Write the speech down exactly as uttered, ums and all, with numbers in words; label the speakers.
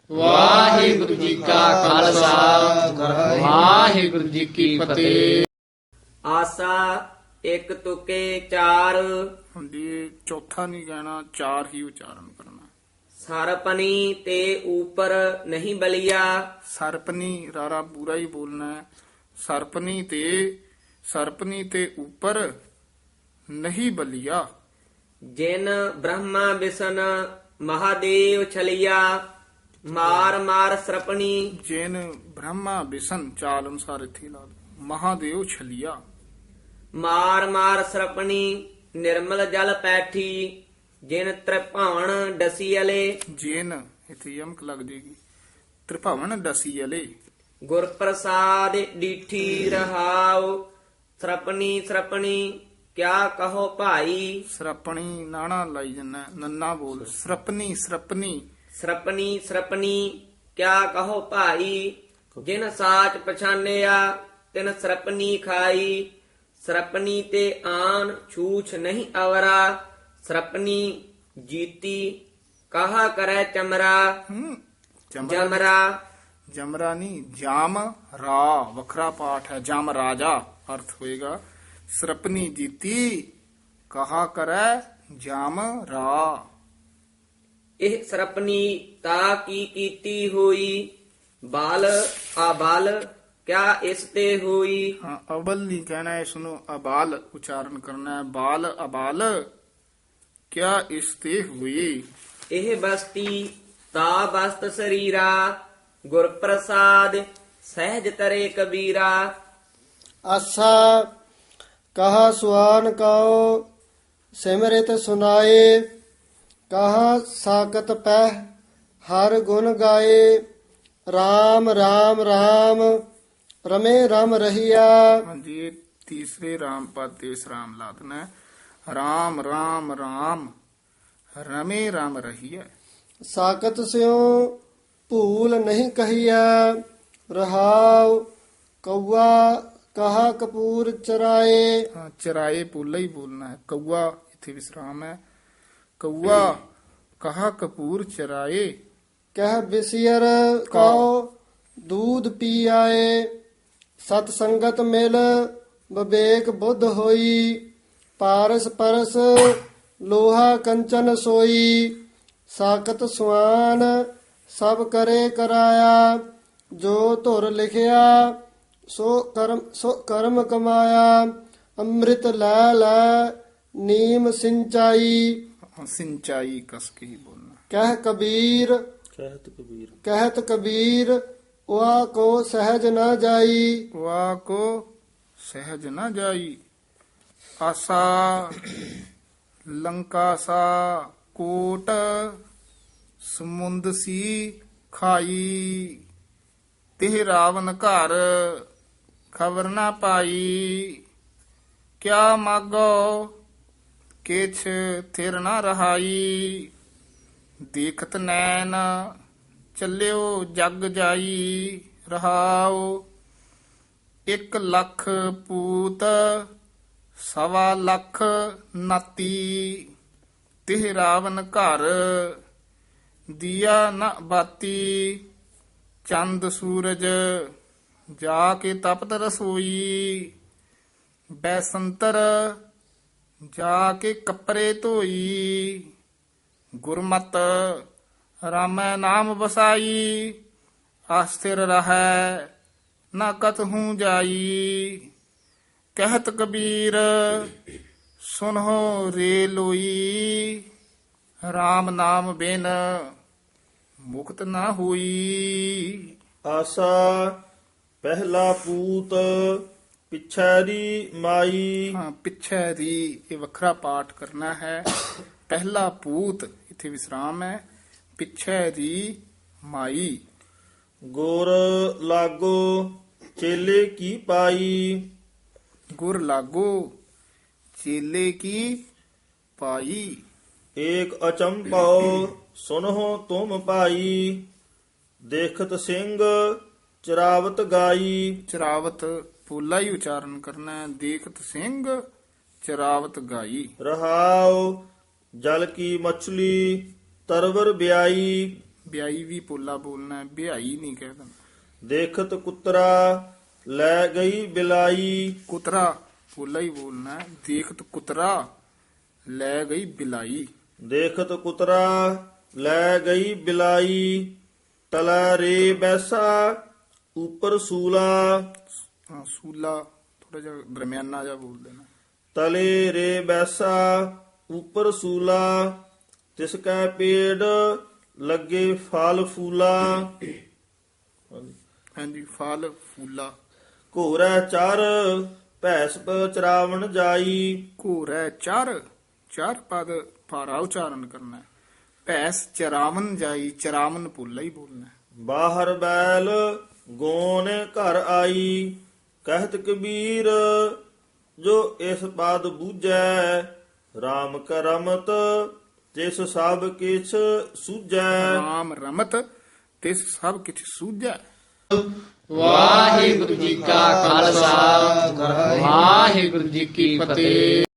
Speaker 1: ਵਾਹਿਗੁਰੂ ਜੀ ਕਾ ਖਾਲਸਾ ਵਾਹਿਗੁਰੂ ਜੀ ਕੀ ਫਤਿਹ।
Speaker 2: ਆਸਾ ਇੱਕ ਤੁਕੇ ਚਾਰ,
Speaker 3: ਹੁੰਦੀ ਚੌਥਾ ਨਹੀਂ ਕਹਿਣਾ, ਚਾਰ ਹੀ ਉਚਾਰਨ ਕਰਨਾ।
Speaker 2: ਸਰਪਨੀ ਤੇ ਉਪਰ ਨਹੀਂ ਬਲਿਆ,
Speaker 3: ਸਰਪਨੀ ਰਾਰਾ ਪੂਰਾ ਹੀ ਬੋਲਣਾ ਹੈ। ਸਰਪਨੀ ਤੇ ਸਰਪਨੀ ਤੇ ਉੱਪਰ ਨਹੀਂ ਬਲਿਆ।
Speaker 2: ਜਿਨ ਬ੍ਰਹਮਾ ਵਿਸ਼ਨ ਮਹਾਦੇਵ ਛਲਿਆ, ਮਾਰ ਮਾਰ ਸਰਪਣੀ।
Speaker 3: ਜੈਨ ਬ੍ਰਹਮਾ ਵਿਸ਼ਨ ਚਾਲ ਅਨੁਸਾਰ ਇੱਥੇ ਲਾ ਲਓ। ਮਹਾਦੇਵ ਛਲਿਆ।
Speaker 2: ਮਾਰ ਮਾਰ ਸਰਪਣੀ ਨਿਰਮਲ ਜਲ ਪੈਠੀ, ਜਿਨ ਤ੍ਰਿਭਾਵਨ ਡਸੀ ਅਲੇ।
Speaker 3: ਜੈਨ ਇੱਥੇ ਯਮਕ ਲੱਗ ਜੇਗੀ। ਤ੍ਰਿਭਾਵਨ ਦਸੀ ਅਲੇ।
Speaker 2: ਗੁਰ ਪ੍ਰਸਾਦ ਡੀਠੀ ਰਹਾਉ, ਸਰਪਣੀ ਸਰਪਣੀ ਕਿਆ ਕਹੋ ਭਾਈ।
Speaker 3: ਸਰਪਣੀ ਨਾਣਾ ਲਾਈ ਜੰਨਾ, ਨੰਨਾ ਬੋਲ। ਸਰਪਨੀ ਸਰਪਨੀ
Speaker 2: ਸਰਪਣੀ ਸਰਪਣੀ ਕਿਆ ਕਹੋ ਭਾਈ, ਜਿਨ ਸਾਚ ਪਛਾਨਿਆ ਤਿਨ ਸਰਪਣੀ ਖਾਈ। ਸਰਪਣੀ ਤੇ ਆਨ ਛੂਛ ਨਹੀਂ ਅਵਰਾ, ਸਰਪਣੀ ਜੀਤੀ ਕਹਾ ਕਰੈ ਚਮਰਾ।
Speaker 3: ਹੂੰ ਜਮਰਾ
Speaker 2: ਜਮਰਾ
Speaker 3: ਜਮਰਾ ਨਹੀਂ, ਜਾਮ ਰਾ ਵੱਖਰਾ ਪਾਠ ਹੈ। ਜਮ ਰਾਜਾ ਅਰਥ ਹੋਏਗਾ। ਸਰਪਨੀ ਜੀਤੀ ਕਹਾ ਕਰੈ ਜਾਮ ਰਾ।
Speaker 2: ਇਹ ਸਰਪਣੀ ਤਾ ਕੀ ਕੀਤੀ ਹੋਈ, ਬਾਲ ਆਬਾਲ ਕਿਆ ਇਸ ਤੇ ਹੋਈ।
Speaker 3: ਹਾਂ ਅਬਲ ਨਹੀਂ ਕਹਿਣਾ, ਇਸ ਨੂੰ ਅਬਾਲ ਉਚਾਰਨ ਕਰਨਾ ਹੈ। ਬਾਲ ਅਬਾਲ ਕਿਆ ਇਸ ਤੇ ਹੋਈ।
Speaker 2: ਇਹ ਬਸਤੀ ਤਾ ਬਸਤ ਸਰੀਰਾ, ਗੁਰ ਪ੍ਰਸਾਦ ਸਹਿਜ ਤਰੇ ਕਬੀਰਾ।
Speaker 4: ਆਸਾ ਕਹਾ ਸੁਆਨ ਕਉ ਸਿਮਰਿਤ ਸੁਨਾਏ, ਕਹਾ ਸਾਕਤ ਪਹਿ ਹਰ ਗੁਣ ਗਾਏ। RAM RAM RAM ਰਮੇ ਰਮ ਰਹੀਆ।
Speaker 3: ਹਾਂਜੀ ਇਹ ਤੀਸਰੇ ਰਾਮ ਪਦ ਤੇ ਵਿਸਰਾਮ ਲਾ ਦੇਣਾ ਹੈ। ਰਾਮ ਰਾਮ ਰਾਮ ਰਮੇ ਰਾਮ ਰਹੀ ਹੈ।
Speaker 4: ਸਾਕਤ ਸਿਉ ਭੂਲ ਨਹੀਂ ਕਹੀਆ, ਰਹਾਉ ਕਊਆ ਕਹਾ ਕਪੂਰ ਚਰਾਏ।
Speaker 3: ਹਾਂ ਚਰਾਏ ਪੋਲਾ ਹੀ ਬੋਲਣਾ ਹੈ। ਕਊਆ ਇੱਥੇ ਵਿਸਰਾਮ ਹੈ। ਕਊਆ ਕਹਾ ਕਪੂਰ ਚਰਾਏ।
Speaker 4: ਕਹਿ ਬਿਸਿਅਰ ਕਉ ਦੂਧ ਪੀ ਆਏ। ਸਤ ਸੰਗਤ ਮਿਲ ਵਿਵੇਕ ਬੁੱਧ ਹੋਈ, ਪਾਰਸ ਪਰਸ ਲੋਹਾ ਕੰਚਨ ਸੋਈ। ਸਾਕਤ ਸੁਆਨ ਸਭ ਕਰੇ ਕਰਾਇਆ, ਜੋ ਧੁਰ ਲਿਖਿਆ ਸੋ ਕਰਮ ਸੋ ਕਰਮ ਕਮਾਇਆ। ਅੰਮ੍ਰਿਤ ਲੈ ਲੈ ਨੀਮ ਸਿੰਚਾਈ,
Speaker 3: ਹਾਂ, ਸਿੰਚਾਈ ਕਸ ਕੇ ਹੀ ਬੋਲਣਾ।
Speaker 4: ਕਹਿ ਕਬੀਰ
Speaker 5: ਕਹਿਤ ਕਬੀਰ
Speaker 4: ਕਹਿਤ ਕਬੀਰ ਵਾ ਕੋ ਸਹਿਜ ਨਾ ਜਾਈ।
Speaker 3: ਵਾ ਕੋ ਸਹਿਜ ਨਾ ਜਾਈ। ਆਸਾ ਲੰਕਾ ਸਾ ਕੋਟ ਸਮੁੰਦ ਸੀ ਖਾਈ, ਤਿਹ ਰਾਵਨ ਘਰ ਖਬਰ ਨਾ ਪਾਈ। ਕਿਆ ਮਾਗੋ ਕਿਛ ਥਿਰ ਨਾ ਰਹਾਈ, ਦੇਖਤ ਨੈਣ ਚੱਲਿਓ ਜਗ ਜਾਈ। ਰਹਾਉ ਇੱਕ ਲੱਖ ਪੂਤ ਸਵਾ ਲੱਖ ਨਾਤੀ, ਤਿਹ ਰਾਵਨ ਘਰ ਦੀਆ ਨ ਬਾਤੀ। ਚੰਦ ਸੂਰਜ ਜਾ ਕੇ ਤਪਤ ਰਸੋਈ, ਬੈਸੰਤਰ ਜਾ ਕੇ ਕੱਪੜੇ ਧੋਈ। ਗੁਰਮਤ ਰਾਮੈ ਨਾਮ ਵਸਾਈ, ਆਸਥਿਰ ਰਹੈ ਨਾ ਕਤਹੂ ਜਾਈ। ਕਹਿਤ ਕਬੀਰ ਸੁਨਹੁ ਰੇ ਲੋਈ, RAM ਨਾਮ ਬਿਨ ਮੁਕਤ ਨਾ ਹੋਈ।
Speaker 5: ਆਸਾ ਪਹਿਲਾ ਪੂਤ ਪਿਛੈਰੀ ਮਾਈ।
Speaker 3: ਹਾਂ ਪਿੱਛੇ ਦੀ ਇਹ ਵੱਖਰਾ ਪਾਠ ਕਰਨਾ ਹੈ। ਪਹਿਲਾ ਪੂਤ ਇੱਥੇ ਵਿਸਰਾਮ ਹੈ। ਪਿੱਛੇ ਦੀ ਮਾਈ।
Speaker 5: ਗੁਰ ਲਾਗੋ ਚੇਲੇ ਕੀ ਪਾਈ,
Speaker 3: ਗੁਰ ਲਾਗੋ ਚੇਲੇ ਕੀ ਪਾਈ।
Speaker 5: ਏਕ ਅਚੰਭਉ ਸੁਨਹੁ ਤੁਮ ਭਾਈ, ਦੇਖਤ ਸਿੰਘ ਚਰਾਵਤ ਗਾਈ।
Speaker 3: ਚਰਾਵਤ ਪੋਲਾ ਹੀ ਉਚਾਰਨ ਕਰਨਾ ਹੈ। ਦੇਖਤ ਸਿੰਘ ਚਰਾਵਤ ਗਾਈ।
Speaker 5: ਰਹਾਉ ਜਲ ਕੀ ਮਛਲੀ ਤਰਵਰ ਬਿਆਈ,
Speaker 3: ਬਿਆਈ ਵੀ ਪੋਲਾ ਬੋਲਣਾ ਹੈ, ਬਿਆਈ ਨਹੀਂ ਕਹਿ ਦੇਣਾ।
Speaker 5: ਦੇਖਤ ਕੁਤਰਾ ਲੈ ਗਈ ਬਿਲਾਈ,
Speaker 3: ਕੁਤਰਾ ਪੋਲਾ ਹੀ ਬੋਲਣਾ ਹੈ। ਦੇਖਤ ਕੁਤਰਾ ਲੈ ਗਈ ਬਿਲਾਈ।
Speaker 5: ਦੇਖਤ ਕੁਤਰਾ ਲੈ ਗਈ ਬਿਲਾਈ, ਤਲਾ ਰੇ ਬੈਸਾ ਉਪਰ ਸੂਲਾ,
Speaker 3: ਹਾਂ, ਸੂਲਾ ਥੋੜਾ ਜਿਹਾ ਦਰਮਿਆਨਾ ਜਿਹਾ ਬੋਲ ਦੇਣਾ।
Speaker 5: ਤਲੇ ਰੇ ਬੈਸਾ ਉਪਰ ਸੂਲਾ, ਤਿਸ ਕੈ ਪੇੜ ਲੱਗੇ ਫਲ ਫੂਲਾ।
Speaker 3: ਹਾਂਜੀ, ਫਲ ਫੂਲਾ।
Speaker 5: ਘੋਰੈ ਚਰ ਭੈਸ ਚਰਾਵਣ ਜਾਈ,
Speaker 3: ਘੋਰੈ ਚਰ ਚਾਰ ਪਦ ਭਾਰਾ ਉਚਾਰਨ ਕਰਨਾ ਹੈ। ਭੈਸ ਚਰਾਵਨ ਜਾਈ, ਚਰਾਵਨ ਪੋਲਾ ਹੀ ਬੋਲਣਾ ਹੈ।
Speaker 5: ਬਾਹਰ ਬੈਲ ਗੋਨ ਘਰ ਆਈ, ਕਹਿਤ ਕਬੀਰ ਜੋ ਇਸ ਪਦ ਬੂਝੈ, RAM ਕਰਮਤ ਤਿਸ ਸਭ ਕਿਛ ਸੂਝੈ।
Speaker 3: ਰਾਮ ਰਮਤ ਤਿਸ ਸਭ ਕਿਛ ਸੂਝੈ।
Speaker 1: ਵਾਹਿਗੁਰੂ ਜੀ ਕਾ ਖਾਲਸਾ ਵਾਹਿਗੁਰੂ ਜੀ ਕੀ ਫਤਿਹ।